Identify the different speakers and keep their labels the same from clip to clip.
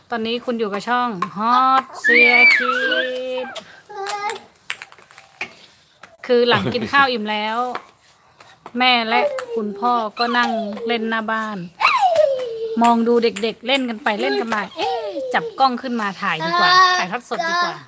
Speaker 1: ตอนนี้คุณอยู่กับช่อง Hot เสียคิดคือหลังกินข้าวอิ่มแล้ว แม่และคุณพ่อก็นั่งเล่นหน้าบ้าน มองดูเด็กๆเล่นกันไปเล่นกันมาจับกล้องขึ้นมาถ่ายดีกว่า ถ่ายทอดสดดีกว่า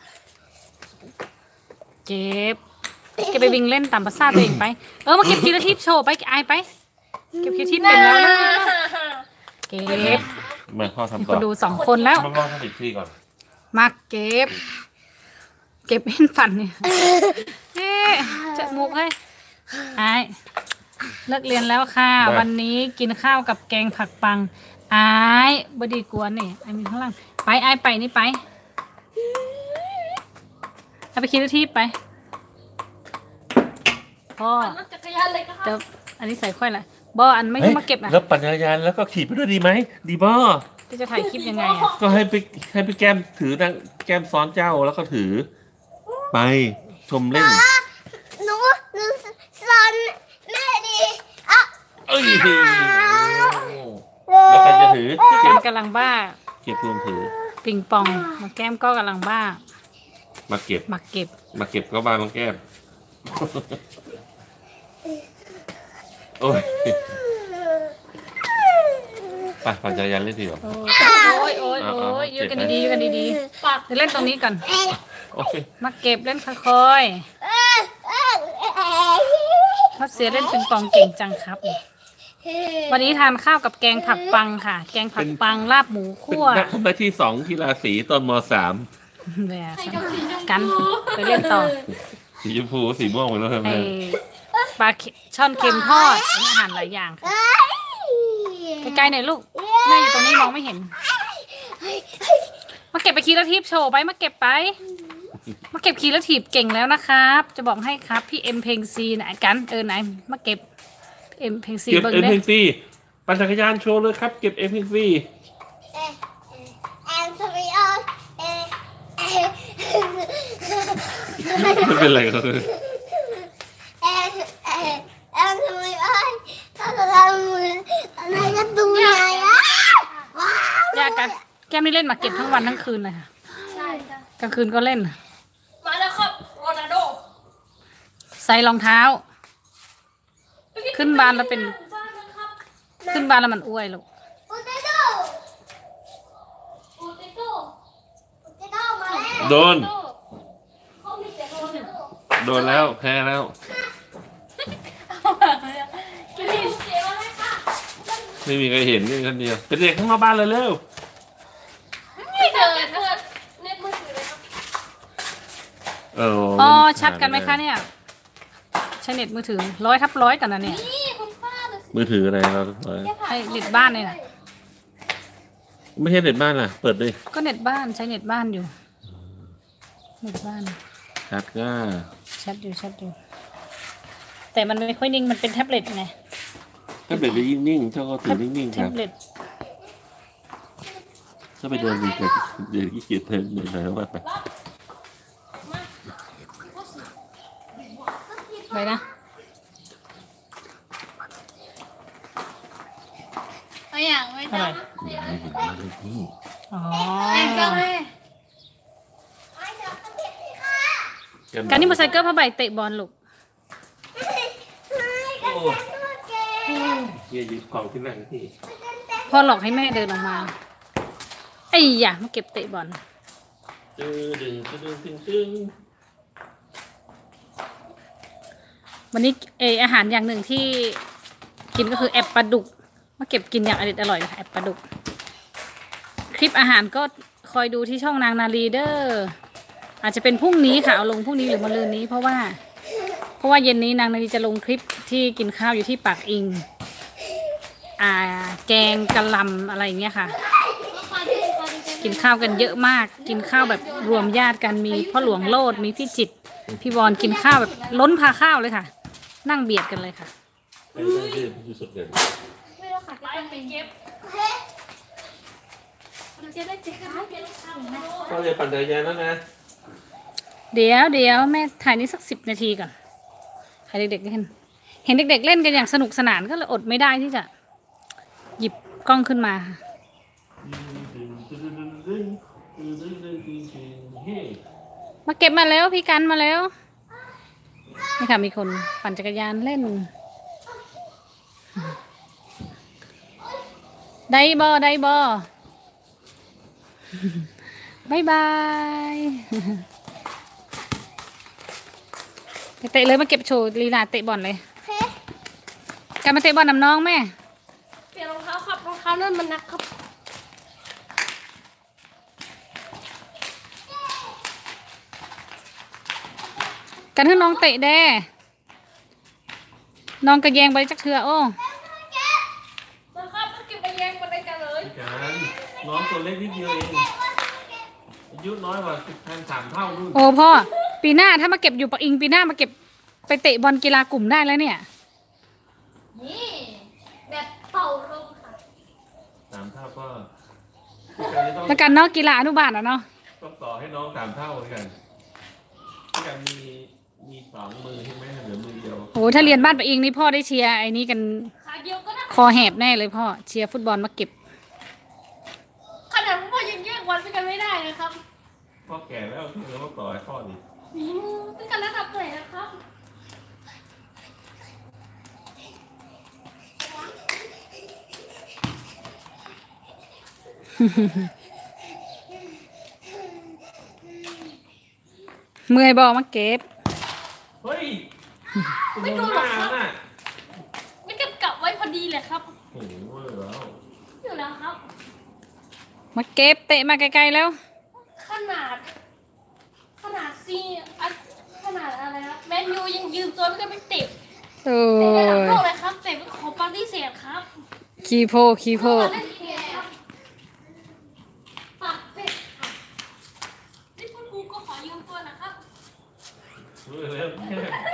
Speaker 1: เก็บไปวิ่งเล่นตามภาษาตัวเองไปมาเก็บคีราทิพย์โชว์ไปไอไปเก็บคีราทิพย์เป็นแล้วนะเก็บ
Speaker 2: มาพ่อทำต่อ
Speaker 1: คนดู2 คนแล้ว
Speaker 2: พ่อทำอีกทีก่อน
Speaker 1: มาเก็บเห็นฟันเนี่ยจะมุกให้ไอเลิกเรียนแล้วค่ะวันนี้กินข้าวกับแกงผักปังไอ้บดีกวนนี่ไอ้มีข้างล่างไปไอ้ไปนี่ไปเอาไปคิดที่ไปพ่อเดี๋ยวอันนี้ใส่ค่อยละบออันไม่มาเก็บนะ
Speaker 2: แล้วปั่นจักรยานแล้วก็ขี่ไปด้วยดีไหมดีบอ
Speaker 1: จะถ่ายคลิปยังไงอ่ะ
Speaker 2: ก็ให้ไปแก้มถือนางแก้มซ้อนเจ้าแล้วก็ถือไปชมเล่น
Speaker 3: หนูสอนแม่ดี
Speaker 2: เอ้ยแล้วใครจะถือ
Speaker 1: แก้มกำลังบ้า
Speaker 2: เก็บรวมถือ
Speaker 1: ปิงปองมาแก้มก็กำลังบ้า
Speaker 2: มาเก็บก็บ้าน้องแก้มโอ้ยไปปั่นจักรยานเล่นทีเดียว
Speaker 1: โอ้ยยืดกันดีๆเดี๋ยวเล่นตรงนี้ก่อนมาเก็บเล่นค่อยๆเพราะเสียเล่นปิงปองเก่งจังครับวันนี้ทานข้าวกับแกงผักปังค่ะแกงผักปังลาบหมูคั่ว
Speaker 2: นักทำได้ที่2กีฬาสีตอนม.3
Speaker 1: เนี่ยกันไปเล่นต่อ
Speaker 2: สีชมพูสีม่วงไปแล้วใช่ไหม
Speaker 1: ปลาช่อนเค็มทอดอาหารหลายอย่างใกล้ๆหน่อยลูกแม่อยู่ตรงนี้มองไม่เห็นมาเก็บไปคีราทิพย์โชว์ไปมาเก็บคีราทิพย์เก่งแล้วนะครับจะบอกให้ครับพี่เอ็มเพลงซีไหนกันไหนมาเก็บเอ็มเพลงซี
Speaker 2: เก็บเอ็มเพลงซีปั่นจักรยานโชว์เลยครับเก็บเอ็มเพลงซีไม่เป็นไรครับ
Speaker 1: ยากกันแก้มนี่เล่นมาเก็บทั้งวันทั้งคืนเลยค่ะกลางคืนก็เล่น
Speaker 3: มาแล้วครับโรนัลโด
Speaker 1: ใส่รองเท้าขึ้นบ้านแล้วเป็นขึ้นบ้านแล้วมันอ้วยลูก
Speaker 2: โดนแล้วแพ้แล้วไม่มีใครเห็นนี่คนเดียวเป็นเด็กข้างนอกบ้านเลยเร็ว
Speaker 1: อ๋อชัดกันไหมคะเนี่ยใช้เน็ตมือถือ100/100กันนะเนี่ย
Speaker 2: มือถืออะไรเรา
Speaker 1: ให้เน็ตบ้านเลยนะ
Speaker 2: ไม่ใช่เน็ตบ้านล่ะเปิดดิ
Speaker 1: ก็เน็ตบ้านใช้เน็ตบ้านอยู่เน็ตบ้าน
Speaker 2: ชัดก็
Speaker 1: ชัดอยู่แต่มันไม่ค่อยนิ่งมันเป็นแท็บเล็ตไง
Speaker 2: แท็บเล็ตจะยิ่งนิ่งเจ้าก็ถือนิ่งๆครับถ้าไปเดินดีแต่เดี๋ยวขี้เกียจเดินหน่อยว่า
Speaker 1: ไปนะ
Speaker 3: อย่างไม่ได้
Speaker 1: อ๋อการนี่มาใส่เกิร์ลผ้าใบเตะบอลลูก
Speaker 2: เยี่ยยืมของที่นั่งที่
Speaker 1: พ่อหลอกให้แม่เดินออกมาไอ้ยะมาเก็บเตะบอลวันนี้อาหารอย่างหนึ่งที่กินก็คือแอบปลาดุกมาเก็บกินอย่างอร่อยแอบปลาดุกคลิปอาหารก็คอยดูที่ช่องนางนาลีเดอร์อาจจะเป็นพรุ่งนี้ค่ะเอาลงพรุ่งนี้หรือมะรืนนี้เพราะว่าเย็นนี้นางนาลีจะลงคลิปที่กินข้าวอยู่ที่ปากอิงแกงกะหล่ำอะไรอย่างเงี้ยค่ะกินข้าวกันเยอะมากกินข้าวแบบรวมญาติกันมีพ่อหลวงโลดมีพี่จิตพี่บอลกินข้าวแบบล้นพาข้าวเลยค่ะนั่งเบียดกันเลยค่ะ
Speaker 2: ก็จะปั่นจักรยานแล้วนะ
Speaker 1: เดี๋ยวแม่ถ่ายนี้สัก10 นาทีก่อนให้เด็กๆเห็นเด็กๆเล่นกันอย่างสนุกสนานก็เลยอดไม่ได้ที่จะหยิบกล้องขึ้นมา
Speaker 2: ดึงดึงดึงดึงดึงเฮ้
Speaker 1: มาเก็บมาแล้วพี่กันมาแล้วนี่ค่ะมีคนปั่นจักรยานเล่นได้บอบายบายเตะเลยมาเก็บโชว์ลีลาเตะบอลเลย
Speaker 3: โอเค
Speaker 1: กันมาเตะบอลนำน้องแม่
Speaker 3: เปลี่ยนรองเท้าครับรองเท้านั่นมันหนักครับ
Speaker 1: กันให้น้องเตะแด้น้องกระแยงไปจักเถื่อโอ้
Speaker 3: นะครับต้องเก็บไปแยงมาด้วยกันเลย
Speaker 2: พี่การน้องตัวเล็กนิดเดียวเองอายุน้อยกว่า3 เท่านู่น
Speaker 1: โอ้พ่อปีหน้าถ้ามาเก็บอยู่ปักอิงปีหน้ามาเก็บไปเตะบอลกีฬากลุ่มได้แล้วเนี่ย
Speaker 3: นี่แบบเป่าลมค่ะ
Speaker 2: 3 เท่าก็พี่การจะต้อง
Speaker 1: แล้วกันเนาะกีฬาอนุบาลอ่ะเนาะ
Speaker 2: ต้องต่อให้น้อง3 เท่าเหมือนกันพี่การมี2 มือใช่ไหมเหลือมือเดียว
Speaker 1: โอ้ถ้าเรียนบ้านปักอิงนี่พ่อได้เชียร์ไอ้นี้กัน
Speaker 3: ขาเดียวก็ได้
Speaker 1: คอแหบแน่เลยพ่อเชียร์ฟุตบอลมาเก็บ
Speaker 3: ขนาดพ่อยังแยกวันไปกันไม่ได้นะครับ
Speaker 2: พ่อแก่แล้วที่เหลือมาต่อให้พ่อดิ
Speaker 3: ต้องกันระดับไหนนะครับ
Speaker 1: เมื่อยบอมาเก็บ
Speaker 2: เฮ้ย
Speaker 3: ไม่ดูหรอกครับ
Speaker 2: น่ะ
Speaker 3: ไม่เก็บกลับไว้พอดีเลยครับ
Speaker 2: โอ้โหเว้ยแล้ว
Speaker 3: อยู่แล้วครับ
Speaker 1: มาเก็บเตะมาไกลๆแล้ว
Speaker 3: ขนาดซีขนาดอะไรครับแมนยูยังยืมตัวไม่ได้ไปเตะ
Speaker 1: โอ้
Speaker 3: ในระดับ
Speaker 1: ย
Speaker 3: โลกเลยครับเตะเป็นของปาร์ตี้เสียครับ
Speaker 1: คีโพ
Speaker 3: เล่นเกมครับปากเป็ดครับนี่พวกกูก็ขอยืมตัวนะครับ
Speaker 2: เว้ยแล้วแม่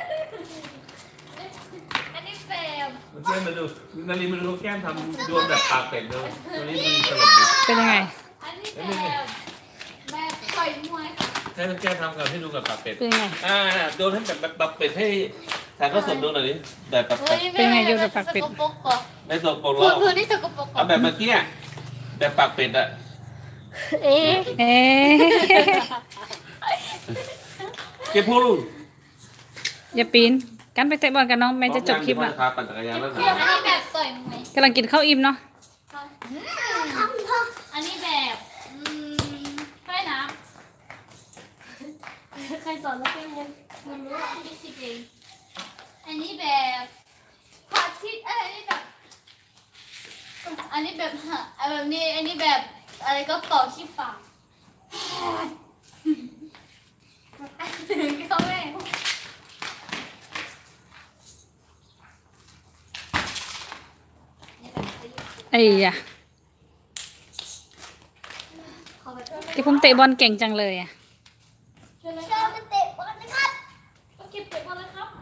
Speaker 3: อันนี้แบบ
Speaker 2: แก้มมาดูนาลีมาดูแก้มทำดวงแบบปากเป็ดดูตัวนี้มีตลกดี
Speaker 1: เป็นยังไง
Speaker 3: อันนี้แบบต่อยมวยค่ะ
Speaker 2: ให้น้องแก้มทำกับให้ดูกับปากเป็ด
Speaker 1: เป็นยังไง
Speaker 2: โดนให้แบบปากเป็ดให้ถ่ายทอดสดดูหน่อยดิแบบปากเป็ด
Speaker 1: เป็นไงโยนกับปากเป็ด
Speaker 3: สกปรกก่อน
Speaker 2: ในตัวโปรโล
Speaker 3: พื้นที่สกปรกก่อ
Speaker 2: เอา
Speaker 3: น
Speaker 2: แบบเมื่อกี้อะแบบปากเป็ดอะ
Speaker 3: เอ๊ะ
Speaker 1: เอ๊ะ
Speaker 2: เก็บพูด
Speaker 1: อย่าปีนกันไปเตะบอลกันน้องแม่จะจบคลิปละ
Speaker 2: พาปั่นจักรยานแล้ว
Speaker 3: เรียกอันนี้แบบต่อยมวย
Speaker 1: กำลังกินข้าวอิ่มเนาะ
Speaker 3: อันนี้แบบใต้น้ำใครสอนแล้วเป็นมันรู้ว่าที่คิดเองอันนี้แบบพระอาทิตย์อันนี้แบบอันนี้แบบแบบนี้อันนี้แบบอะไรก็เป่าที่ปากเขาแม่
Speaker 1: ไอ้ยะแกผมเตะบอลเก่งจังเลยอ่ะ
Speaker 3: เชิญไปเตะบอลนะครับมาเก็บเตะบอลเลยครับ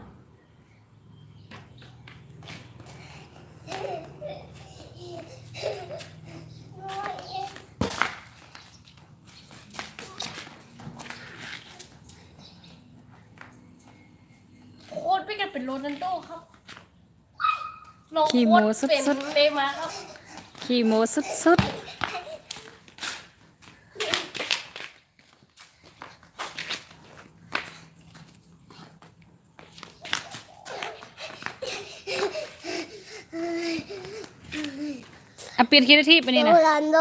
Speaker 3: โค้ดไปกันเป็นโรนัลโดครับลงโค้ดเป็นเนย์มาร์ครับ
Speaker 1: ขี่โมสุดๆอ่ะเปลี่ยนคีย์ทีปไปนี่นะ
Speaker 3: โรนัลโด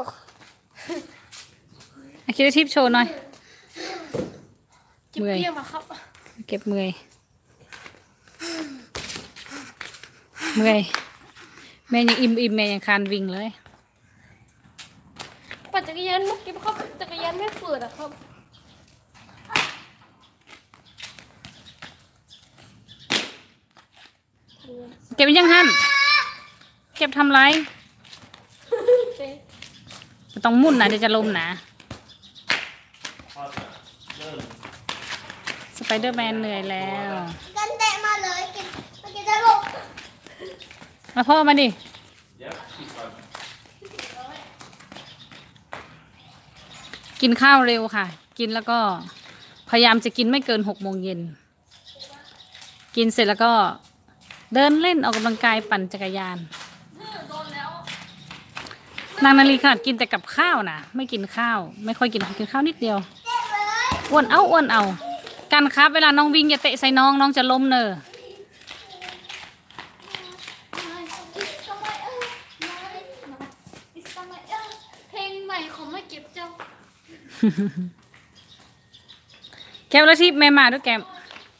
Speaker 1: อ่ะคีย์ทีปโชว์หน่อย
Speaker 3: จิบเปี้ยมาครับ
Speaker 1: เก็บเมื่อยเมื่อยแม่ยังอิ่มแม่ยังคานวิ่งเลย
Speaker 3: ปั่นจักรยานเมื่อกี้ครับจักรยานไม่ฝืดอะครับ
Speaker 1: เก็บยังหันเก็บทำไรไม่ต้องมุ่นนะเดี๋ยวจะล้มนะสไปเดอร์แมนเหนื่อยแล้ว
Speaker 3: กันแตะมาเลยกินจะลง
Speaker 1: มาพ่อมาดิ
Speaker 2: เดี๋ยวปิดก่อน
Speaker 1: กินข้าวเร็วค่ะ กินแล้วก็พยายามจะกินไม่เกิน6 โมงเย็นกินเสร็จแล้วก็เดินเล่นออกกำลังกายปั่นจักรยาน
Speaker 3: โดนแล้ว
Speaker 1: นางนาลีขนาดกินแต่กับข้าวนะไม่กินข้าว ไม่ค่อยกินข้าวนิดเดียวอ้วนเอากันครับเวลาน้องวิ่งอย่าเตะใส่น้องจะล้มเนอะ
Speaker 3: เพลงใหม่ของไม่เก็บเจ้า
Speaker 1: แก้วแล้วที่แม่มาด้วยแก้ม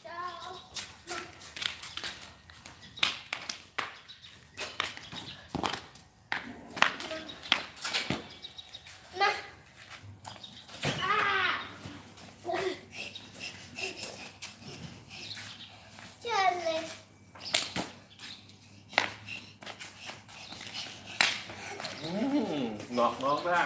Speaker 3: เชิญเลย
Speaker 2: หนอกน้องได้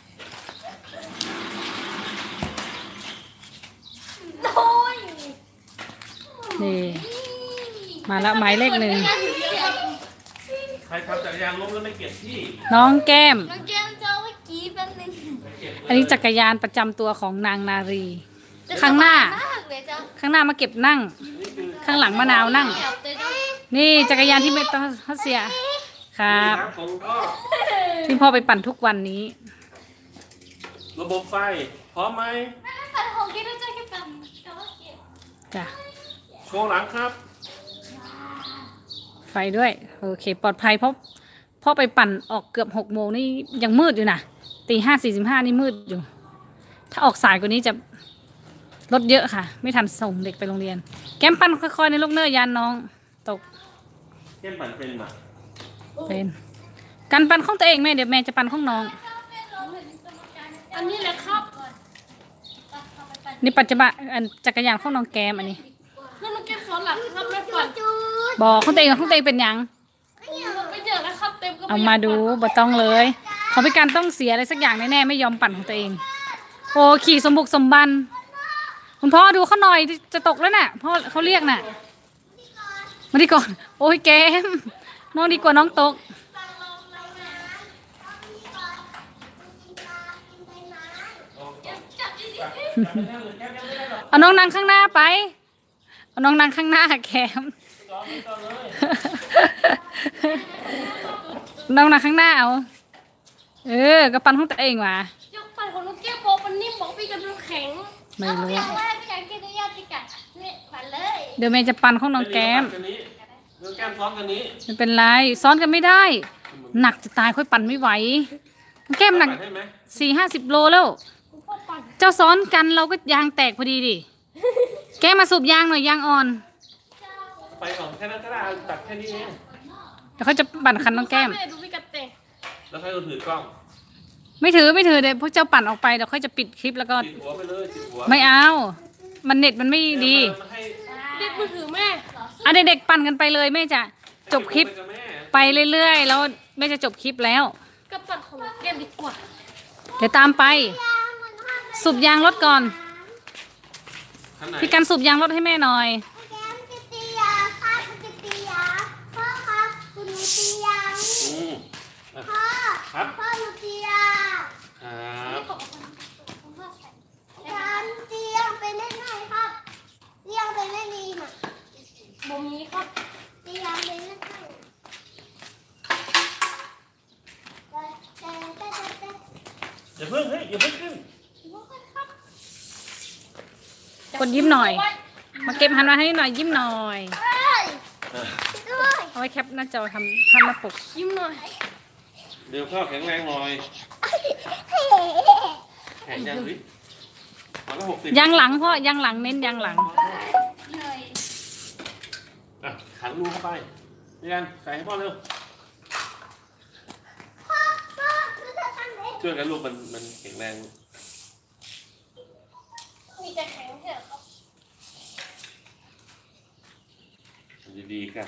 Speaker 3: โอ้ย
Speaker 1: นี่มาแล้วหมายเลขหนึ่ง
Speaker 2: ใครทำจักรยานล้มแล้วไม่เก็บที่
Speaker 1: น้องแก้ม
Speaker 3: น้องแก้มเจ้าเมื่อกี้แป๊บนึง
Speaker 2: ไม่เก็บเลย
Speaker 1: อันนี้จักรยานประจำตัวของนางนารี ข้างหน้า
Speaker 3: มากเลยเจ้า
Speaker 1: ข้างหน้ามาเก็บนั่ง ข้างหลังมะนาวนั่ง
Speaker 3: เก็บเลยเจ้า
Speaker 1: นี่จักรยานที่ไม่ต้องเสียครับ
Speaker 2: น้ำของพ่อ
Speaker 1: ที่พ่อไปปั่นทุกวันนี้
Speaker 2: ระบบไฟพร้อมไหม
Speaker 3: ไม่ปัดของกินแล้วเจ้าแค่ปัดแต่ว่าเก็บ
Speaker 1: จ้ะ
Speaker 2: โชว์หลังครับ
Speaker 1: ไฟด้วยโอเคปลอดภัยเพราะพ่อไปปั่นออกเกือบ6 โมงนี่ยังมืดอยู่นะตี 5:45นี่มืดอยู่ ถ้าออกสายกว่านี้จะรถเยอะค่ะ ไม่ทันส่งเด็กไปโรงเรียน แก้มปั่นค่อยๆในลูกเนอร์ยานน้องตก
Speaker 2: เล่นปั่นเป็นไหม
Speaker 1: เป็นการปั่นของตัวเองแม่เดี๋ยวแม่จะปั่นของน้อง
Speaker 3: อันนี้แหละครับ
Speaker 1: นี่ปัจจุบันอันจักรยานของน้องแก้มอันนี้
Speaker 3: แล้วน้องแก้มสอนหลักครับแม่ปัด
Speaker 1: บอกของตัวเองเป็นหยัง
Speaker 3: ไม่เยอะนะครับเต็มก็
Speaker 1: เอามาดูบ่ต้องเลยเขาพิการต้องเสียอะไรสักอย่างแน่ๆไม่ยอมปั่นของตัวเอง โอ้ขี่สมบุกสมบันคุณพ่อดูเขาหน่อยจะตกแล้วน่ะพ่อเขาเรียกน่ะมาดีก่อนโอ้ยแกมน้องดีกว่าน้องตกเอาน้องนั่งข้างหน้าไปเอาน้องนั่งข้างหน้าแกมน้องนั่งข้างหน้าเอาก็ปั่นของตัวเองว่ะ
Speaker 3: ยกปัดของน้องแก้มโบมันนิ่มบอกพี่กับน้ำแข็ง
Speaker 1: ไม่รู้
Speaker 3: อยากได้พี่อยากกินได้ยากที่กัดนี่ปัดเลย
Speaker 1: เดี๋ยวแม่จะปั่นของน้องแก้ม
Speaker 2: น้องแก้มซ้อมกันนี้
Speaker 1: ไม่เป็นไรซ้อนกันไม่ได้ หนักจะตายค่อยปั่นไม่ไหวน้องแก้มหนัก
Speaker 2: ได้ไหม
Speaker 1: 40 โลแล้ว
Speaker 3: คุณพ่อปัด
Speaker 1: เจ้าซ้อนกันเราก็ยางแตกพอดีดิแกมาสูบยางหน่อยยางอ่อน
Speaker 2: ไปก่อนแค่นั้นก็ได้เอาตัดแค่นี้เอง
Speaker 1: เดี๋ยวเขาจะปั่นคันน้องแก้ม
Speaker 3: แม่ดูพี่กัดเตะ
Speaker 2: แล้วใครก็ถือกล้อง
Speaker 1: ไม่ถือเดี๋ยวพวกเจ้าปั่นออกไปเดี๋ยวค่อยจะปิดคลิปแล้วก็
Speaker 2: ติดหัวไปเลยติดหัว
Speaker 1: ไม่เอา มันเน็ตมันไม่ดี
Speaker 2: มาให้
Speaker 3: เด็กมือถือแม่
Speaker 1: อ่ะเด็กๆปั่นกันไปเลยแม่จะจบคลิป
Speaker 2: ไปกับแม่
Speaker 1: ไปเรื่อยๆแล้วแม่จะจบคลิปแล้ว
Speaker 3: กับปัดของแก้มดีกว่า
Speaker 1: เดี๋ยวตามไป สูบยางรถก่อน
Speaker 2: ข้างไหน
Speaker 1: พี่กันสูบยางรถให้แม่หน่อย
Speaker 4: แก้มจะตียาค่ะจะตียาพ่อครับคุณหนูตียา
Speaker 2: อืมอ่ะ
Speaker 4: พ่อ
Speaker 2: ครับ
Speaker 4: พ่อหนูตียา
Speaker 2: ครับ
Speaker 4: การตียาไปเล่นไหนครับตียาไปเล่นดีน่ะ
Speaker 3: บ่มีครับ
Speaker 4: ตียาไปเล่นไหนแต่
Speaker 2: อย่าเพิ่งเฮ้ยอย่าเพิ่งขึ้น
Speaker 1: กดยิ้มหน่อย มาเก็บหันมาให้หน่อยยิ้มหน่อย
Speaker 4: เอ้ยด้วย
Speaker 1: เอาไว้แคปหน้าจอทำภาพหน้าปก
Speaker 3: ยิ้มหน่อย
Speaker 2: เดี๋ยวข้าวแข็งแรงหน่อย
Speaker 4: เฮ้
Speaker 2: แข็งยังดิวันละ60
Speaker 1: ยางหลังพ่อยางหลังเน้นยางหลัง
Speaker 3: เหนื่อย
Speaker 2: อ่ะขันรูเข้าไปนี่กันใส่ให้พ่อเร็ว
Speaker 4: พ่อพ่อหนูจะทำเอง
Speaker 2: ช่วยกันลูกมันแข็งแรง
Speaker 3: มีแต่แข็งเถอะครับ
Speaker 2: ดีๆกัน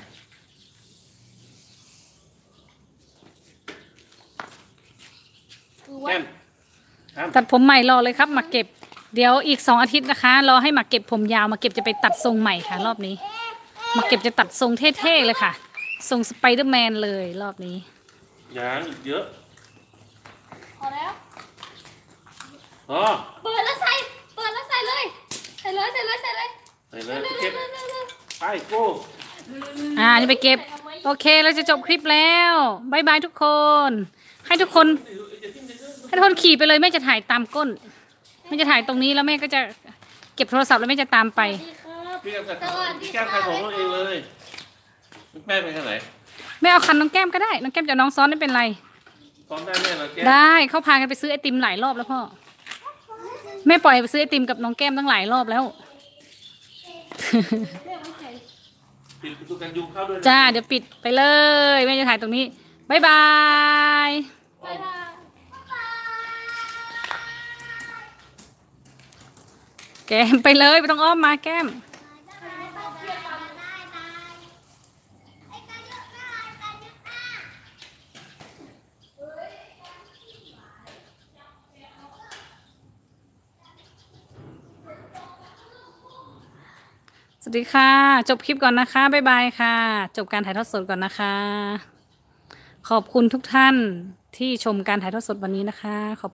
Speaker 3: คือว่า
Speaker 2: แก้มครับ
Speaker 1: ตัดผมใหม่รอเลยครับมาเก็บ เดี๋ยวอีก2 อาทิตย์นะคะรอให้มาเก็บผมยาวมาเก็บจะไปตัดทรงใหม่ค่ะ รอบนี้ มาเก็บจะตัดทรงเท่ๆเลยค่ะ ทรงสไปเดอร์แมนเลยรอบนี้
Speaker 2: ยางอีกเยอะ
Speaker 3: พอแล้ว
Speaker 2: อ๋อ
Speaker 3: เปิดแล้วใส่เลย ใส่เลย
Speaker 2: ใส่เลย
Speaker 3: เร็ว
Speaker 2: เก็บ
Speaker 3: ๆ
Speaker 2: ไปโก้
Speaker 1: นี่ไปเก็บ โอเคเราจะจบคลิปแล้วบายบายทุกคนให้ทุกคนขี่ไปเลยแม่จะถ่ายตามก้นแม่จะถ่ายตรงนี้แล้วแม่ก็จะเก็บโทรศัพท์แล้วแม่จะตามไป
Speaker 2: พี่แก้มพี่แก้มใครของเราเองเลยแม่ไปทางไหน
Speaker 1: แม่เอาคันน้องแก้มก็ได้น้องแก้มจะน้องซ้อนไม่เป็นไร
Speaker 2: ซ้อนได้แม่เหรอแก้ม
Speaker 1: ได้เขาพากันไปซื้อไอติมหลายรอบแล้วพ่อแม่ปล่อยไปซื้อไอติมกับน้องแก้มตั้งหลายรอบแล้ว
Speaker 2: ปิดประตูกันยุงเข้าด้วยนะ
Speaker 1: จ้าเดี๋ยวปิดไปเลยแม่จะถ่ายตรงนี้บ๊ายบาย
Speaker 3: ไปทาง
Speaker 1: แก้มไปเลยไม่ต้องอ้อมมาแก้มสวัสดีค่ะ จบคลิปก่อนนะคะบ๊ายบายค่ะ จบการถ่ายทอดสดก่อนนะคะ ขอบคุณทุกท่านที่ชมการถ่ายทอดสดวันนี้นะคะขอบ